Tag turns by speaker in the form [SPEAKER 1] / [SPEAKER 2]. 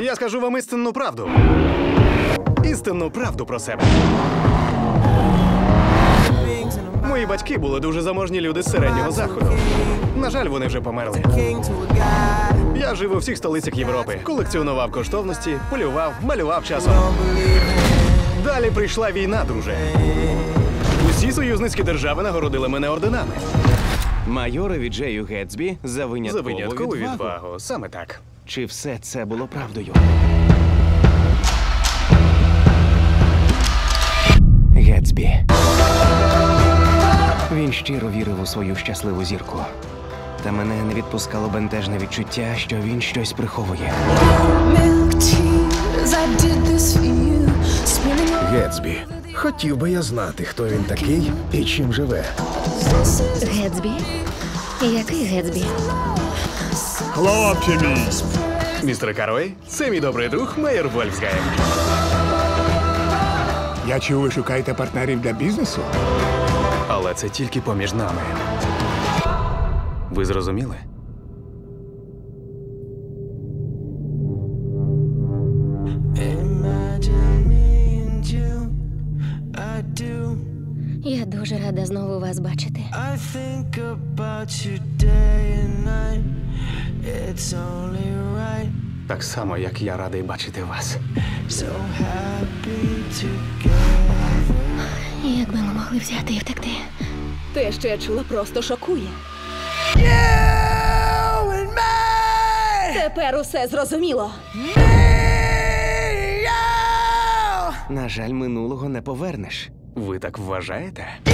[SPEAKER 1] Я скажу вам істинну правду. Істинну правду про себе. Мої батьки були дуже заможні люди з середнього заходу. На жаль, вони вже померли. Я жив у всіх столицях Європи. Колекціонував коштовності, полював, малював часом. Далі прийшла війна, друже. Усі союзницькі держави нагородили мене орденами.
[SPEAKER 2] Майорові Джею Гетсбі за
[SPEAKER 1] За виняткову
[SPEAKER 2] відвагу.
[SPEAKER 1] відвагу. Саме так.
[SPEAKER 2] Чи все це було правдою? Гетсбі. Він щиро вірив у свою щасливу зірку. Та мене не відпускало бентежне відчуття, що він щось приховує.
[SPEAKER 3] Гетсбі. Хотів би я знати, хто він такий і чим живе.
[SPEAKER 4] Гетсбі? Який Гетсбі?
[SPEAKER 3] Хлопче мій!
[SPEAKER 1] Містер Карой, це мій добрий друг Мейер Вольфсгайм.
[SPEAKER 3] Я чув, ви шукаєте партнерів для бізнесу?
[SPEAKER 1] Але це тільки поміж нами. Ви зрозуміли?
[SPEAKER 4] Я дуже рада знову вас бачити.
[SPEAKER 5] I think about you day and night. It's only right.
[SPEAKER 1] Так само, як я радий бачити вас.
[SPEAKER 5] So happy together.
[SPEAKER 4] Як би ми могли взяти і втекти?
[SPEAKER 6] Те, що я чула, просто шокує.
[SPEAKER 5] You and me.
[SPEAKER 6] Тепер усе зрозуміло.
[SPEAKER 2] На жаль, минулого не повернеш.
[SPEAKER 1] Ви так вважаєте?